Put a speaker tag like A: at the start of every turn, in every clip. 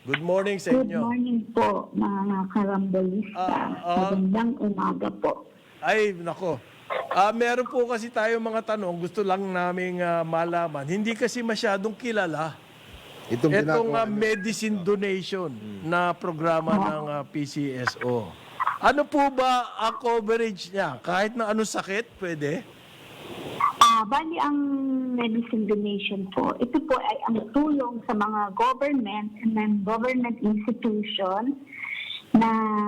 A: Good morning sa
B: Good
A: inyo.
B: morning po, mga karambolista. Magandang umaga po.
A: Ay, nako. Meron po kasi tayo mga tanong, gusto lang naming malaman. Hindi kasi masyadong kilala
C: Itong
A: itong
C: ginagawa niyo.
A: medicine donation na programa ng PCSO. Ano po ba ang coverage niya? Kahit na anong sakit, pwede?
B: Bali ang medicine donation po, ito po ay ang tulong sa mga government and non-government institution na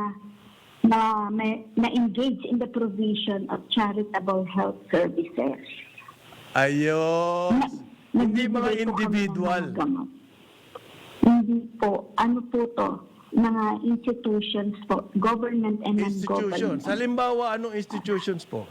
B: engage in the provision of charitable health services.
A: Ayun. Hindi mga
B: Nagbibigay po kami ng
A: individual.
B: mga gamot. Hindi po. Ano po to? Mga institutions po. Government and
A: Institutions.
B: non-government.
A: Halimbawa, anong institutions po?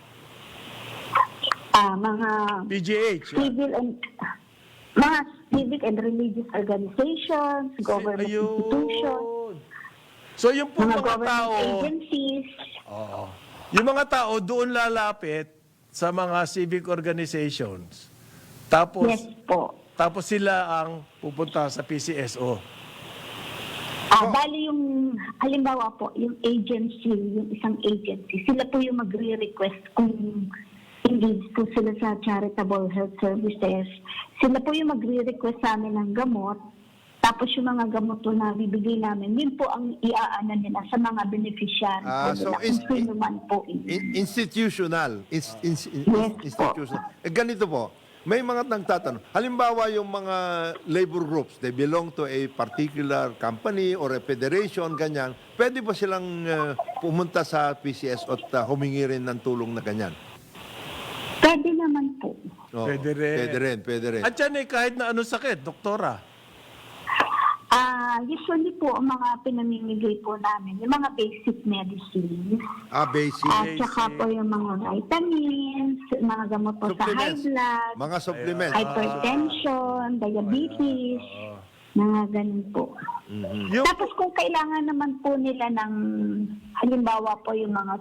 B: Mga
A: PGH. Yan.
B: mga civic and religious organizations, government institutions,
A: So yung po
B: mga
A: mga
B: government
A: tao,
B: agencies.
A: oo. Yung mga tao doon lalapit sa mga civic organizations. Tapos
B: Yes po.
A: tapos sila ang pupunta sa PCSO.
B: Bali yung, halimbawa po, yung agency, yung isang agency, sila po yung magre-request kung engage po sila sa charitable health services. Sila po yung magre-request sa amin ng gamot. Tapos yung mga gamot po na bibigay namin, yun po ang iaanan nila sa mga beneficiary po
C: So
B: nila. Kung sino man po.
C: institutional.
B: Yes
C: Institutional. Ganito po, may mga nagtatanong. Halimbawa yung mga labor groups, they belong to a particular company or a federation, ganyan. Pwede ba silang pumunta sa PCS at humingi rin ng tulong na ganyan?
B: Pwede naman po.
C: Oo,
A: Pwede rin.
C: Pwede rin.
A: At yan kahit na anong sakit, doktora.
B: Usually po, ang mga pinamimigay po namin, yung mga basic medicines,
C: Basic.
B: at saka po yung mga vitamins, mga gamot po sa high
C: Supplements.
B: blood,
C: Mga supplements.
B: hypertension, diabetes, mga ganun po.
A: Yung,
B: Tapos kung kailangan naman po nila ng, halimbawa po yung mga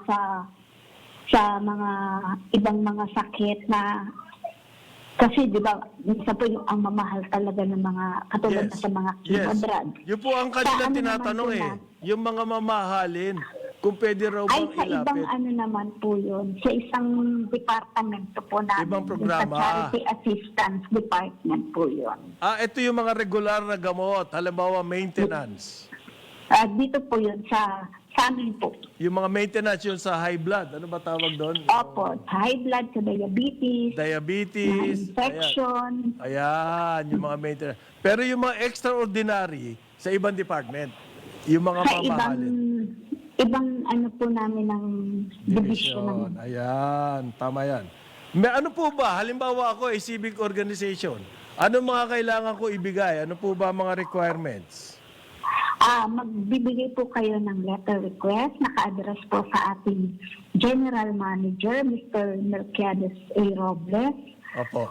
B: sa mga ibang mga sakit na, kasi di ba, minsan po yung ang mamahal talaga ng mga, katulad na sa mga chemo drugs.
A: Yun po ang kanila
B: Sa ano
A: tinatanong
B: naman po
A: Yung mga mamahalin, kung pwede raw
B: Ay,
A: bang
B: sa ibang
A: ilapit.
B: ano naman po yun, sa isang departamento po namin.
A: Ibang
B: yung
A: programa.
B: Sa Charity Assistance Department po yun.
A: Ito yung mga regular na gamot. Halimbawa, maintenance.
B: Dito po yun sa amin po.
A: Yung mga maintenance yun sa high blood. Ano ba tawag doon?
B: Opo, sa high blood, sa diabetes, mga
A: Diabetes.
B: infection.
A: Ayan, yung mga maintenance. Pero yung mga extraordinary sa ibang department. Yung mga
B: Sa
A: mamahalin.
B: ibang ano po namin ng division ng
A: Ayan, tama yan. May ano po ba? Halimbawa ako ay civic organization. Ano mga kailangan ko ibigay? Ano po ba mga requirements?
B: Magbibigay po kayo ng letter request, naka-address po sa ating General Manager, Mr. Mercedes A. Robles.
A: Opo.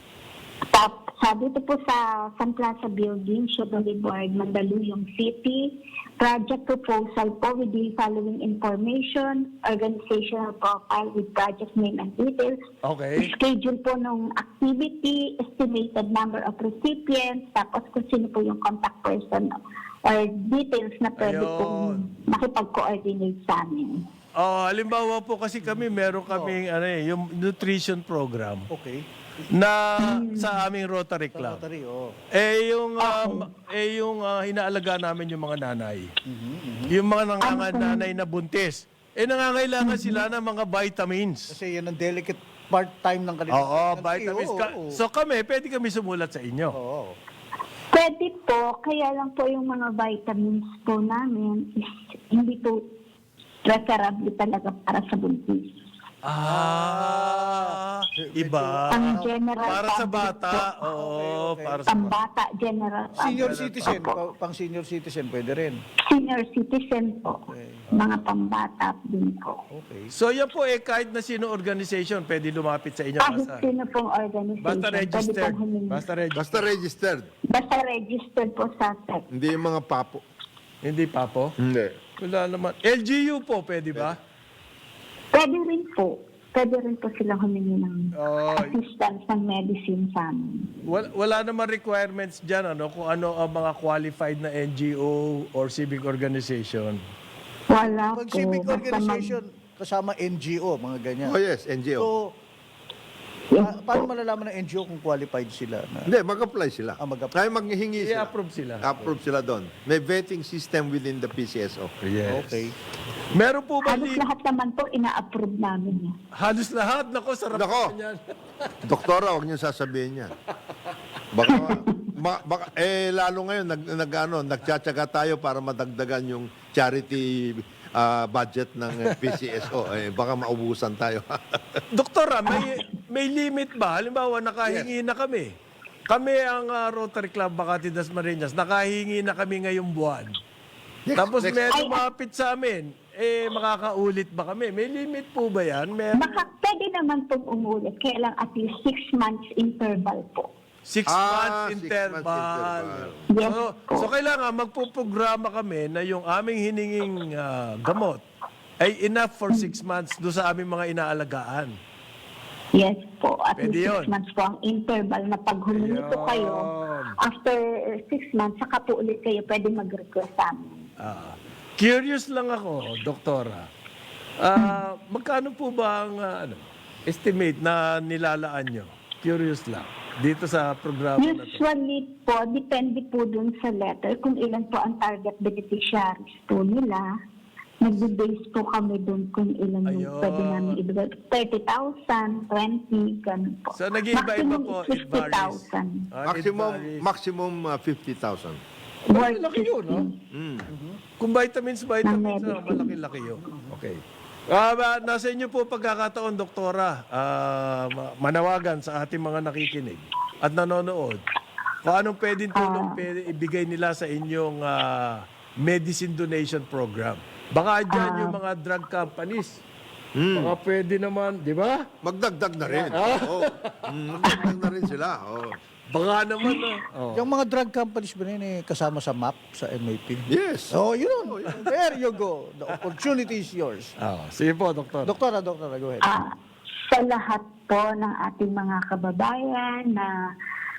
B: Dito po sa San Plaza Building, Sugar Board, Mandaluyong City. Project proposal po with the following information, organizational profile with project name and details.
A: Okay.
B: Schedule po ng activity, estimated number of recipients, tapos kung sino po yung contact person or details na pwede
A: Ayun.
B: pong makipag-coordinate sa amin.
A: Halimbawa po kasi kami, meron kaming yung nutrition program
D: Okay.
A: na sa aming Rotary Club.
D: Rotary, oh.
A: Yung inaalaga namin yung mga nanay. Yung mga nanganay na buntis. Nangangailangan sila ng mga vitamins.
D: Kasi yan ang delicate part-time ng kanilang
A: Oo,
D: pregnancy.
A: vitamins.
D: Oo.
A: So pwede kami sumulat sa inyo.
D: Oo.
B: Pwede po, kaya lang po yung mga vitamins po namin is hindi po preferable talaga para sa buntis.
A: Iba.
B: Ang general
A: Para sa
B: public
A: bata.
B: po.
A: Oo,
D: Okay.
A: para sa bata.
B: Pambata, general
D: Senior
B: public.
D: citizen,
B: Opo.
D: pang senior citizen, pwede rin.
B: Senior citizen po.
D: Okay.
B: Mga pambata din po.
D: Okay.
A: So yan po kahit na sino organization pwede lumapit sa inyo.
B: Kahit sino pong organization.
A: Basta
B: pwede
A: registered.
B: pong humingi.
C: Basta registered.
B: Basta registered po sa SEC.
C: Hindi yung mga papo.
A: Hindi pa po?
C: Hindi.
A: Wala naman. LGU po, pwede ba?
B: Pwede rin po. pwede rin po silang humingi ng
A: Oh,
B: assistance ng medicine sa amin.
A: wala naman requirements dyan, ano, kung ano ang mga qualified na NGO or civic organization.
B: Wala
D: Pag
B: po.
D: civic
B: Basta
D: organization, kasama NGO, mga ganyan.
C: Oh yes, NGO.
D: So,
B: Yes
D: paano
B: po.
D: malalaman ng NGO kung qualified sila? Na,
C: Hindi, mag-apply sila.
D: mag-apply.
C: Kaya maghihingi sila.
A: I-approve sila.
C: Approve sila doon. May vetting system within the PCSO.
A: Yes.
D: Okay.
A: Meron po ba
B: Halos lahat naman po ina-approve namin yan.
A: Halos lahat. Nako, sarap
C: Nako.
A: yan.
C: Doktora, huwag niyo sasabihin yan. Baka, lalo ngayon, nagtsatsaga tayo para madagdagan yung charity budget ng PCSO. Baka maubusan tayo.
A: Doktora, may limit ba? Halimbawa, nakahingi na kami. Kami ang Rotary Club Makati Dasmariñas, nakahingi na kami ngayong buwan. Tapos may lumapit sa amin, makakaulit ba kami? May limit po ba yan?
B: Pwede naman pong umulit. Kaya lang at least 6 months interval po.
A: 6 months
C: 6 months
A: interval.
C: interval.
B: Yes
A: So kailangan magpuprograma kami na yung aming hininging gamot ay enough for 6 months do sa aming mga inaalagaan.
B: Yes po. At
A: Pwede
B: least
A: yun.
B: 6 months po ang interval na pag humingi po kayo,
A: Ayun.
B: after 6 months, saka po ulit kayo pwede mag-request sa amin.
A: Curious lang ako, Doktora. Magkano po ba ang estimate na nilalaan nyo? Curious lang. Dito sa programa na to.
B: Usually po, depende po dun sa letter kung ilan po ang target beneficiaries po nila. Nag-base po kami dun kung ilan yung
A: Ayun.
B: pwede namin ibigay. 30,000, 20, ganun po.
A: So nag-iiba-iba
B: Maximum
A: po,
B: is
A: it varies.
B: 50,000.
C: Maximum 50,000.
B: Worth
A: Malaki yun, no?
B: 50.
A: Kung vitamins,
B: Ng medicine.
A: malaki-laki yun. Okay. Nasa inyo po pagkakataon, Doktora, manawagan sa ating mga nakikinig at nanonood. Kung anong pwedeng tulong pwede ibigay nila sa inyong medicine donation program. Baka dyan yung mga drug companies. Baka pwede naman, di ba?
C: Magdagdag na rin. Oo. Magdagdag na rin sila. Oo.
A: Baka naman.
D: Yung mga drug companies ba rin kasama sa MAP, sa MAP?
C: Yes.
D: Oh, yun. There you go. The opportunity is yours.
A: Sige po, Doktor.
D: Doktora, go ahead.
B: Sa lahat po ng ating mga kababayan na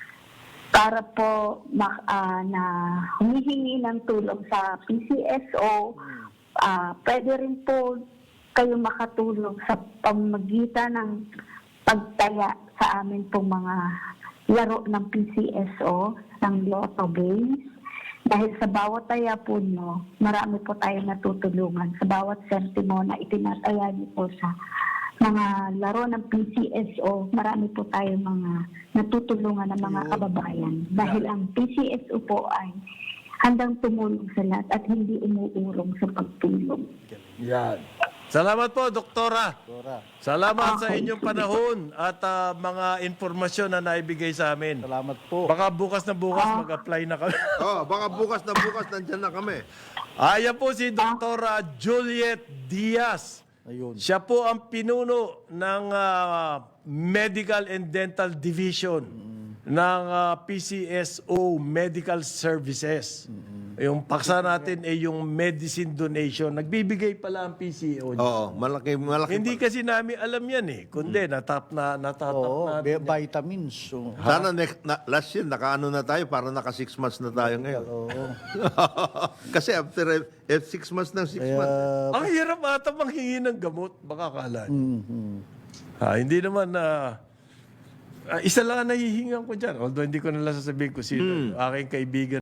B: para po na humihingi ng tulong sa PCSO, pwede rin po kayo makatulong sa pamamagitan ng pagtaya sa amin pong mga laro ng PCSO, ng Lotto Games. Dahil sa bawat taya po nyo, marami po tayong natutulungan. Sa bawat sentimo na itinataya niyo po sa mga laro ng PCSO, marami po tayong mga natutulungan ng mga kababayan. Dahil ang PCSO po ay handang tumulong sa lahat at hindi umuurong sa pagtulong.
A: Yan. Salamat po, Doktora.
D: Doktora,
A: Salamat sa inyong panahon at mga informasyon na naibigay sa amin.
D: salamat po.
A: Baka bukas na bukas mag-apply na kami.
C: Baka bukas nandyan na kami.
A: Ayan po si Dr. Juliet Diaz.
D: Ayun.
A: Siya po ang pinuno ng Medical and Dental Division ng PCSO Medical Services. Yung paksa natin ay yung medicine donation. Nagbibigay pala ang PCO.
C: Oo, malaki.
A: Hindi kasi namin alam yan eh. Kundi natap
D: Oo,
A: natin.
D: vitamins. So,
C: Sana last year, nakaano na tayo, para naka 6 months na tayo ngayon.
D: oo.
C: Kasi after 6 months ng 6 months.
A: Ang hirap ata manghingi ng gamot. Baka akala. Hindi naman isa lang ang nahihingan ko dyan. Although hindi ko nalang sasabihin ko sino. Aking kaibigan.